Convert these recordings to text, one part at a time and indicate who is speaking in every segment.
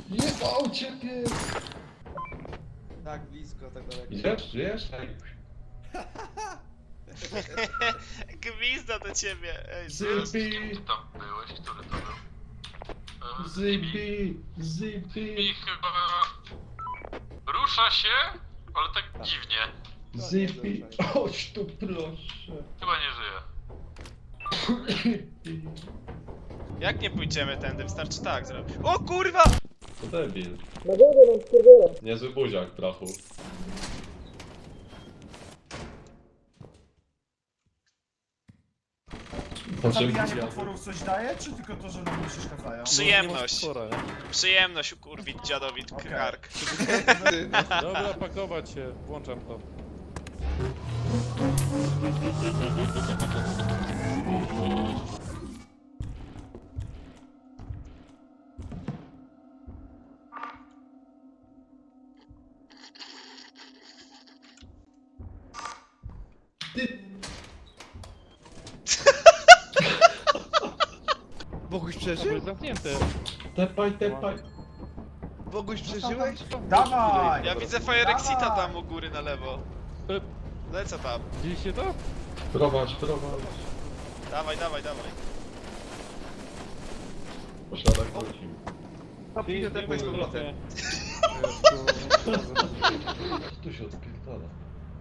Speaker 1: Jebał ciebie!
Speaker 2: Tak blisko, tak daleko.
Speaker 1: Idziesz? Żyjesz?
Speaker 3: Gwizda do ciebie! Ej,
Speaker 1: Zibi!
Speaker 4: Ty tam byłeś? Który to był?
Speaker 1: Zibi! Zibi!
Speaker 4: I chyba... Rusza się, ale tak dziwnie.
Speaker 1: Zibi! Chodź tu proszę!
Speaker 4: Chyba nie żyje.
Speaker 3: Jak nie pójdziemy tędy? Wystarczy tak zrobić. O kurwa!
Speaker 1: To debil.
Speaker 5: Na górze mam skurwiela.
Speaker 1: Niezły buziak, trafu.
Speaker 6: Zabijanie potworów coś daje, czy tylko to, że nam nie przeszkadzają?
Speaker 3: Przyjemność. Przyjemność ukurwić dziadowi kark.
Speaker 7: Dobra, pakować się, włączam to.
Speaker 2: Boguś
Speaker 7: To
Speaker 2: przeżył?
Speaker 7: jest zamknięte.
Speaker 1: Tepaj, tepaj!
Speaker 2: Boguś przeżyłeś?
Speaker 6: Dawaj!
Speaker 3: Ja widzę Fire Exita tam u góry na lewo. Lecę tam.
Speaker 7: Widzieliście to?
Speaker 1: Prowadź, prowadź!
Speaker 3: Dawaj, dawaj, dawaj.
Speaker 1: Posiadek wrócimy.
Speaker 2: Idę tepać z powrotem.
Speaker 1: Tu się odpierdala.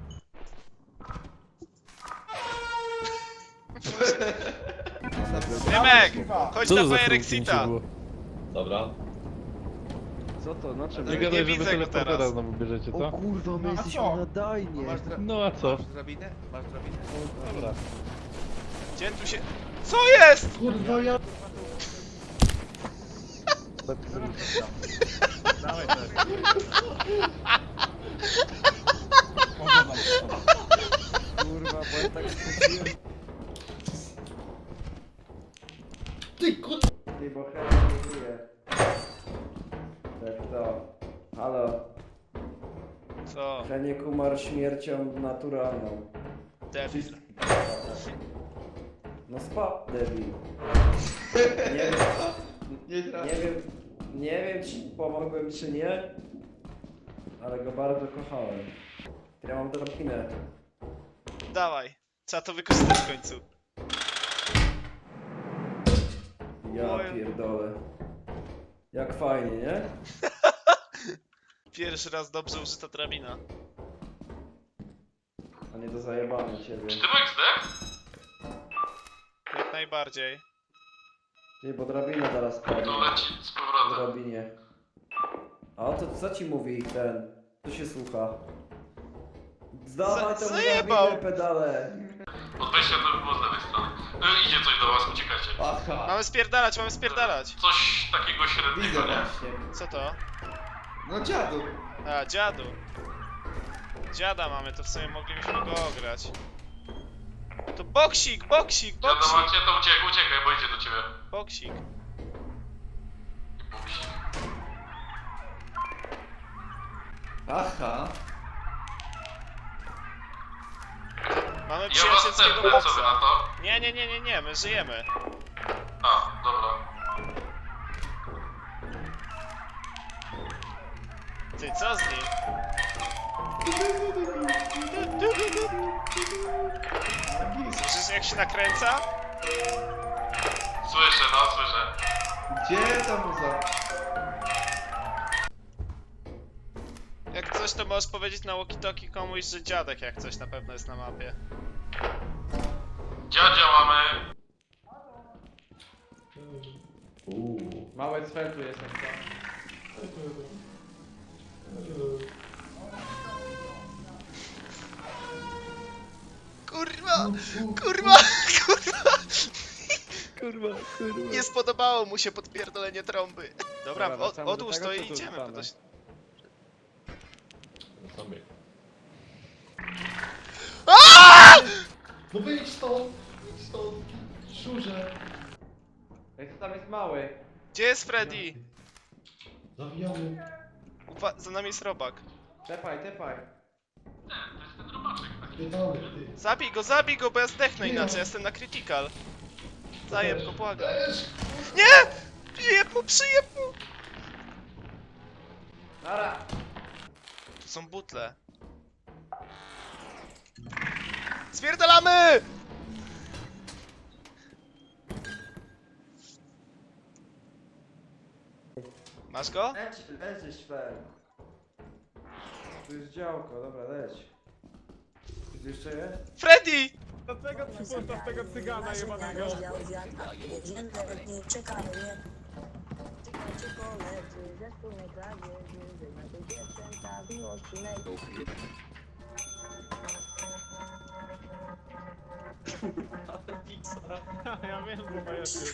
Speaker 3: Dymek!
Speaker 6: Kurwa.
Speaker 3: Chodź na Fire Exita!
Speaker 1: Dobra.
Speaker 2: Co to? Na czym?
Speaker 7: Nie
Speaker 3: Nie
Speaker 7: gadaj, że
Speaker 3: widzę
Speaker 7: wy
Speaker 3: go
Speaker 7: teleportera
Speaker 3: teraz.
Speaker 7: znowu bierzecie,
Speaker 2: O
Speaker 7: co?
Speaker 2: kurwa, my
Speaker 6: No a
Speaker 2: jesteśmy
Speaker 6: co?
Speaker 2: nadajnie.
Speaker 7: No a co?
Speaker 2: Masz drabinę? Masz drabinę?
Speaker 7: Dobra.
Speaker 3: Gdzie tu się... Co jest?!
Speaker 1: Kurwa ja...
Speaker 6: Dawaj też. Oglądam to.
Speaker 2: Kurwa, bo ja tak skupiłem.
Speaker 1: Ty kur...
Speaker 8: Ty, bo chętnie nie żyje. Tak to. Halo.
Speaker 3: Co?
Speaker 8: Heniek umarł śmiercią naturalną.
Speaker 3: Debil.
Speaker 8: No debil. Nie wiem, nie wiem czy pomogłem czy nie, ale go bardzo kochałem. Ja mam drabinę.
Speaker 3: Dawaj. Trzeba to wykorzystać w końcu.
Speaker 8: Ja
Speaker 3: Oj.
Speaker 8: pierdolę. Jak fajnie, nie?
Speaker 3: Pierwszy raz dobrze użyta drabina.
Speaker 8: A nie do zajebania ciebie.
Speaker 4: Czy Tymek zdech?
Speaker 3: Jak najbardziej.
Speaker 8: Ty, bo drabina teraz padnie.
Speaker 4: To leci z powrotem.
Speaker 8: Drabinie. A o to co ci mówi ten? Tu się słucha. Zdawaj temu
Speaker 3: Zajebał.
Speaker 8: drabinę, pedale!
Speaker 4: Od wejścia to by było z lewej strony. Idzie coś do was, uciekajcie.
Speaker 2: Aha.
Speaker 3: Mamy spierdalać, mamy spierdalać.
Speaker 4: Coś takiego średniego, nie?
Speaker 3: Co to?
Speaker 2: No dziadu.
Speaker 3: A, dziadu. Dziada mamy, to w sumie moglibyśmy go ograć. To boksik, boksik,
Speaker 4: Dziada
Speaker 3: boksik,
Speaker 4: macie, to uciekaj, bo idzie do ciebie.
Speaker 3: boksik.
Speaker 2: Aha.
Speaker 3: Mamy
Speaker 4: Ja was
Speaker 3: przyjacielskiego
Speaker 4: tepnę, co wy na
Speaker 3: boksa.
Speaker 4: to?
Speaker 3: Nie, my żyjemy.
Speaker 4: A, dobra.
Speaker 3: Ty, co z nim? Słyszysz jak się nakręca?
Speaker 4: Słyszę, no, słyszę.
Speaker 2: Gdzie ta muza?
Speaker 3: Jak coś to możesz powiedzieć na walkie-talkie komuś, że dziadek jak coś na pewno jest na mapie.
Speaker 4: Dziadzia mamy.
Speaker 8: Małe cfel tu jest jak to.
Speaker 3: Kurwa! Kurwa! Kurwa! Nie spodobało mu się podpierdolenie trąby. Dobra,
Speaker 8: Dobra, wracamy do
Speaker 3: odłóż
Speaker 8: tego,
Speaker 3: to
Speaker 8: co
Speaker 3: i
Speaker 8: tu
Speaker 3: idziemy.
Speaker 8: wracamy?
Speaker 3: To się...
Speaker 1: Sobie.
Speaker 3: Aaaa!
Speaker 1: No wyjdź stąd! Wyjdź stąd! Szurze!
Speaker 8: Ej, co tam jest mały?
Speaker 3: Gdzie jest Freddy?
Speaker 1: Zawijamy.
Speaker 3: Za nami jest robak.
Speaker 8: Tepaj, tepaj.
Speaker 4: To jest ten robaczek taki.
Speaker 1: Biedany, ty.
Speaker 3: Zabij go, bo ja zdechnę
Speaker 1: Nie.
Speaker 3: inaczej, jestem na critical. Zajeb go, błagam.
Speaker 1: Też.
Speaker 3: Nie! Przyjeb mu!
Speaker 8: Nara!
Speaker 3: Tu są butle. Spierdalamy! Masz go?
Speaker 8: Leć, szwer. Tu jest działko, dobra, leć. Tu jeszcze jest?
Speaker 3: Freddy!
Speaker 7: Dlaczego przypuszczasz tego cygana jebanego? Ja wiem, że majaczy.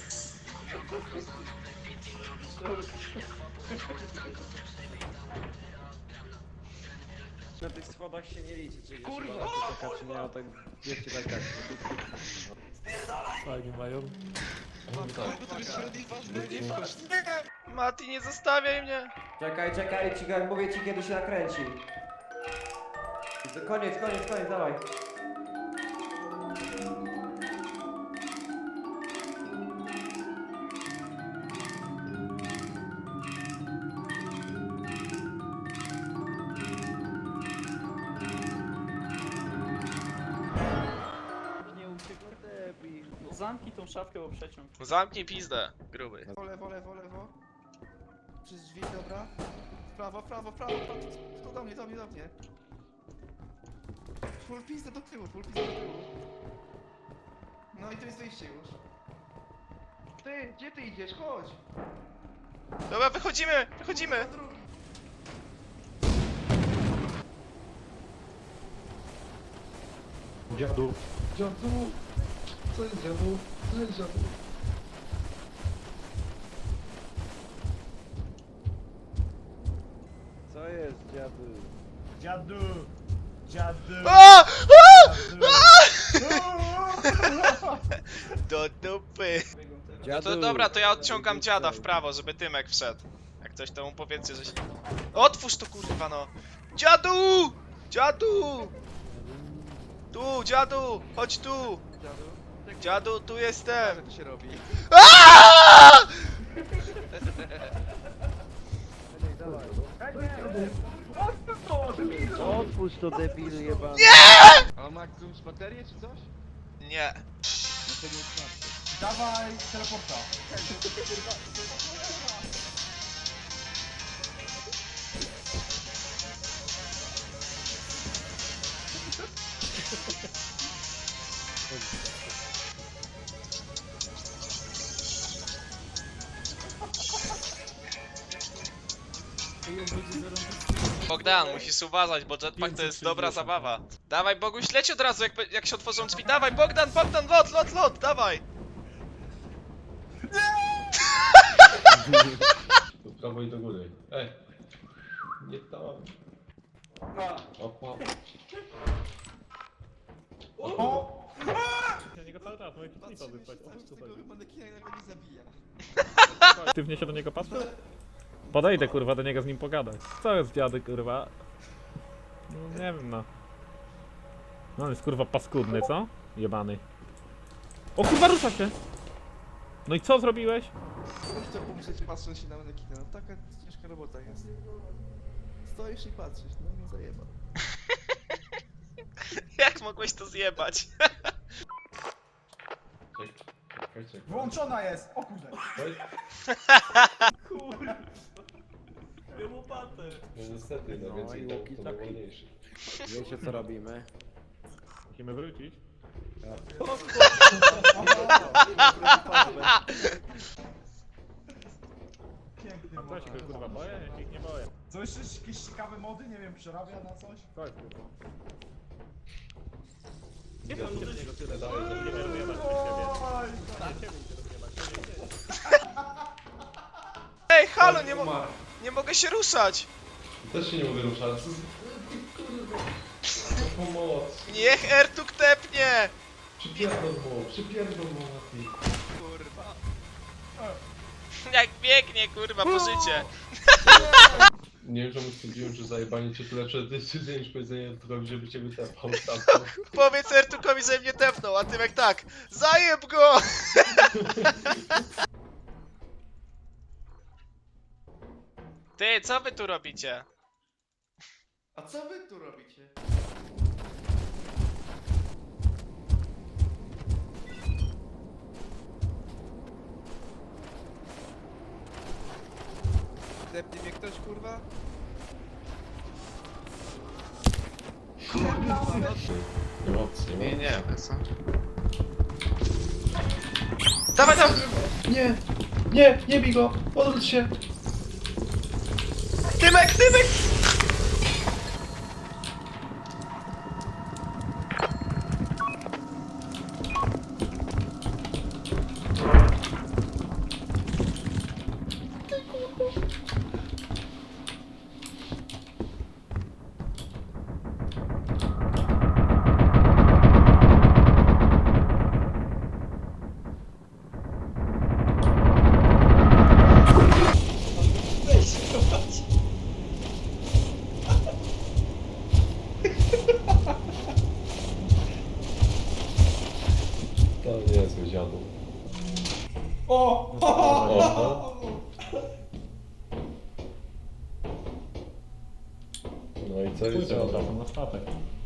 Speaker 2: Na tych schodach się nie liczy, czy
Speaker 1: Kurwa!
Speaker 2: taka, czy nie, a tak wiecie, tak.
Speaker 7: Fajnie mają.
Speaker 3: Mati, nie zostawiaj mnie!
Speaker 8: Czekaj, mówię ci kiedy się nakręci. Koniec, dawaj.
Speaker 2: Nie uciekł debil.
Speaker 1: No zamknij tą szafkę, bo przeciąg.
Speaker 3: Zamknij pizdę, gruby.
Speaker 2: Lewo. Przez drzwi, dobra. Prawo. Tu do mnie. Full pizdę do tyłu. No i to jest wyjście już. Ty, gdzie ty idziesz? Chodź!
Speaker 3: Dobra, wychodzimy!
Speaker 2: Na drugi.
Speaker 7: Dziadu.
Speaker 1: Dziadu! Co jest dziadu? Co jest dziadu?
Speaker 2: Co jest, dziadu?
Speaker 6: Dziadu!
Speaker 3: A!
Speaker 6: Dziadu!
Speaker 3: Do dupy! No to dobra, to ja odciągam dziada w prawo, żeby Tymek wszedł. Jak coś to mu powiedzcie, że się... Otwórz to kurwa no! Dziadu! Dziadu! Tu, dziadu! Chodź tu!
Speaker 2: Dziadu?
Speaker 3: Dziadu, tu jestem!
Speaker 2: Jak to się robi?
Speaker 3: Aaaa!
Speaker 2: Otwórz to, debil jebany. A on ma jakąś baterię czy coś?
Speaker 3: Nie.
Speaker 2: No to nie jest
Speaker 6: Dawaj teleporta.
Speaker 3: Bogdan, musisz uważać, bo jetpack to jest dobra zabawa. Dawaj, Boguś, leć od razu, jak się otworzą drzwi. Dawaj, Bogdan, lot, dawaj!
Speaker 4: Do prawo i do góry. Ej! Nie tam. Opa.
Speaker 6: O!
Speaker 7: Ja niego cały czas, moje klipa wyspać.
Speaker 2: Tego manekina jak nie zabija.
Speaker 7: Aktywnie się do niego patrzę? Podejdę kurwa do niego z nim pogadać. Co jest dziady kurwa? No, nie wiem no. No on jest kurwa paskudny, co? Jebany. O kurwa rusza się! No i co zrobiłeś?
Speaker 2: Możesz to pomyśleć patrząc się na manekina. No taka ciężka robota jest. Stoisz i patrzysz, no zajeba.
Speaker 3: Jak mogłeś to zjebać?
Speaker 4: Czekaj.
Speaker 6: Wyłączona jest! O kurde!
Speaker 1: Kurwa! Dwie łopaty!
Speaker 4: No niestety, no więcej to najwolniejszy.
Speaker 2: Wiecie co robimy?
Speaker 7: Musimy wrócić.
Speaker 6: Piękny
Speaker 7: A co się
Speaker 6: mod.
Speaker 7: kurwa boję? Ja się ich nie boję.
Speaker 6: Co jeszcze jakieś ciekawe mody? Nie wiem, przerabia na coś?
Speaker 7: Co jest kurwa?
Speaker 4: Nie wiem,
Speaker 7: Nie niego tyle daję, że nie wiem jebać przez siebie.
Speaker 6: Oj,
Speaker 7: Nie ciebie idzie rozjebać.
Speaker 3: Ej, halo, nie mogę się ruszać!
Speaker 4: Też się nie mogę ruszać. No pomoc.
Speaker 3: Niech Ertuk tepnie!
Speaker 4: Przypierdol mu, Mati.
Speaker 3: Kurwa. Jak biegnie, kurwa, po życie.
Speaker 4: Nie wiem, czemu stwierdziłem, że zajebanie cię tu lepsze decyzje niż powiedzenie Ertukowi, żeby cię wytepał stamtąd.
Speaker 3: Powiedz Ertukowi, że mnie tepnął, a Tymek tak. Zajeb go! Ty, co wy tu robicie?
Speaker 1: A co wy tu robicie?
Speaker 2: Depnie mnie ktoś, kurwa?
Speaker 4: Nie ma opcji, nie?
Speaker 1: Nie, co? Dawaj, dawaj! Nie! Nie, nie bij go! Odwróć się! Tymek, Tymek!
Speaker 4: To nie jest zły dziadu.
Speaker 1: O!
Speaker 4: O, no i co jest
Speaker 7: Pójdę od
Speaker 4: dziadu?
Speaker 7: razu na statek.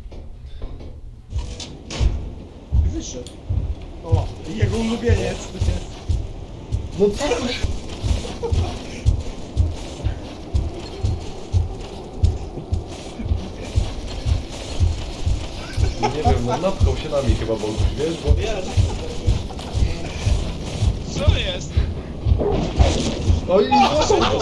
Speaker 6: Wyszedł. O, jego ulubieniec.
Speaker 4: No co to się... Nie wiem, no napchał się nami chyba Boguś, wiesz, bo...
Speaker 3: Co jest?
Speaker 4: Oj, złapał go!